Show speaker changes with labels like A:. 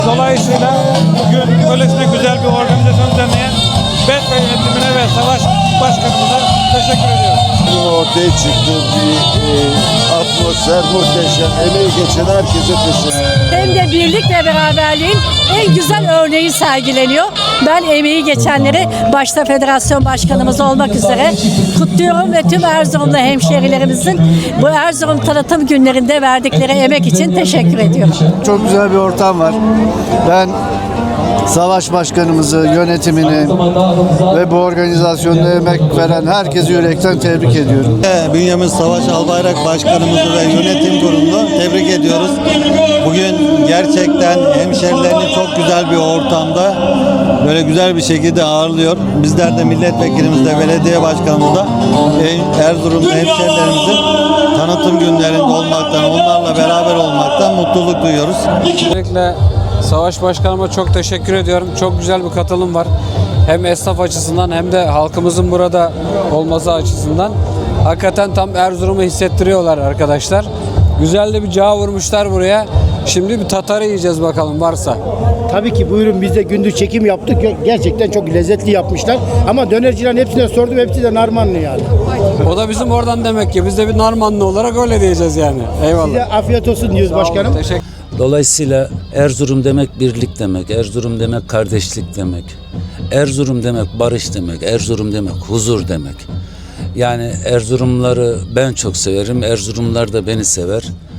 A: Dolayısıyla bugün böylesine güzel bir organizasyon düzenleyen BET yönetimine ve Savaş Başkanımıza teşekkür ediyoruz.
B: Ortaya çıktı bir atmosfer muhteşem. Emeği geçen herkese teşekkür ederim.
C: Hem de birlik ve beraberliğin en güzel örneği sergileniyor. Ben emeği geçenleri başta federasyon başkanımız olmak üzere kutluyorum ve tüm Erzurumlu hemşehrilerimizin bu Erzurum tanıtım günlerinde verdikleri emek için teşekkür ediyorum.
D: Çok güzel bir ortam var. Ben Savaş Başkanımızı, yönetimini ve bu organizasyonda emek veren herkesi yürekten tebrik ediyorum.
E: Bünyamin Savaş Albayrak Başkanımızı ve yönetim kurulunu tebrik ediyoruz. Bugün gerçekten hemşerilerini çok güzel bir ortamda böyle güzel bir şekilde ağırlıyor. Bizler de milletvekilimiz de belediye başkanımız da Erzurumlu hemşerilerimizin tanıtım günlerinde olmaktan, onlarla beraber olmaktan mutluluk duyuyoruz.
A: Öncelikle Savaş Başkanıma çok teşekkür ediyorum. Çok güzel bir katılım var. Hem esnaf açısından hem de halkımızın burada olması açısından. Hakikaten tam Erzurum'u hissettiriyorlar arkadaşlar. Güzel de bir cağ vurmuşlar buraya. Şimdi bir tatarı yiyeceğiz bakalım varsa.
F: Tabii ki buyurun, biz de gündüz çekim yaptık. Gerçekten çok lezzetli yapmışlar. Ama dönercilerin hepsine sordum, hepsi de narmanlı yani.
A: O da bizim oradan demek ki. Biz de bir Narmanlı olarak öyle diyeceğiz yani. Eyvallah.
F: Size afiyet olsun diyoruz başkanım.
A: Teşekkür.
G: Dolayısıyla Erzurum demek birlik demek, Erzurum demek kardeşlik demek, Erzurum demek barış demek, Erzurum demek huzur demek. Yani Erzurumları ben çok severim, Erzurumlar da beni sever.